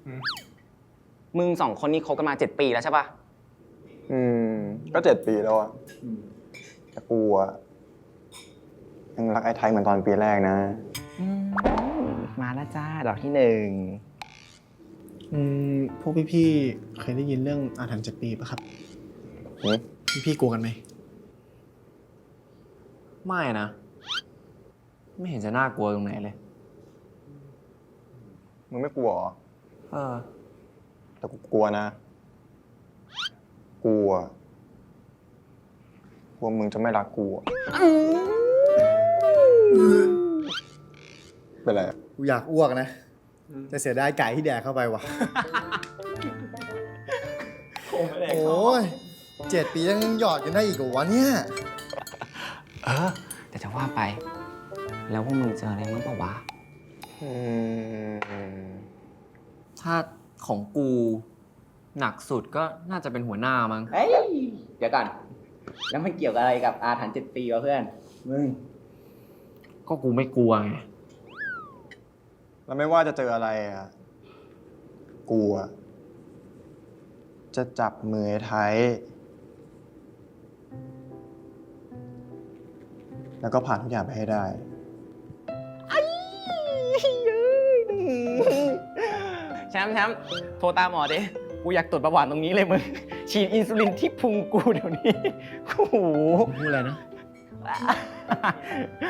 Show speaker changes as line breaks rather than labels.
มึงสองคนนี้คบกันมา7 ปีแล้วใช่ปะ
ก็7 ปีแล้วอะแต่กูอะยังรักไอ้ไทยเหมือนตอนปีแรกนะ
มาแล้วจ้าดอกที่1
พวกพี่ๆเคยได้ยินเรื่องอาถรรพ์7 ปีปะครับ พี่ๆกลัวกันไหม
ไม่นะ ไม่เห็นจะน่ากลัวตรงไหนเลย
มึงไม่กลัวเหรอ
เออ
แต่กูกลัวนะ กลัวมึงจะไม่รักกูอะเป็นไรอะ
กูอยากอ้วกนะ แต่เสียดายไก่ที่แดกเข้าไปว่ะ โอ้ย7 ปียังหยอดกันได้อีกเหรอวะเนี่ย
แต่จะว่าไป แล้วพวกมึงเจออะไรบ้างปะวะ
ถ้าของกูหนักสุดก็น่าจะเป็นหัวหน้ามั้ง
เฮ้ย เดี๋ยวก่อน แล้วมันเกี่ยวกับอะไรกับอาถรรพ์7 ปีวะเพื่อน มึง
ก็กูไม่กลัวไง
แล้วไม่ว่าจะเจออะไรอะกูอะจะจับมือไอ้ไทย แล้วก็ผ่านทุกอย่างไปให้ได้
แชมป์โทรตามหมอดิ กูอยากตรวจประวัติตรงนี้เลยมึง ฉีดอินซูลินที่พุงกูเดี๋ยวนี้ โอ้โห
พูดอะไรนะ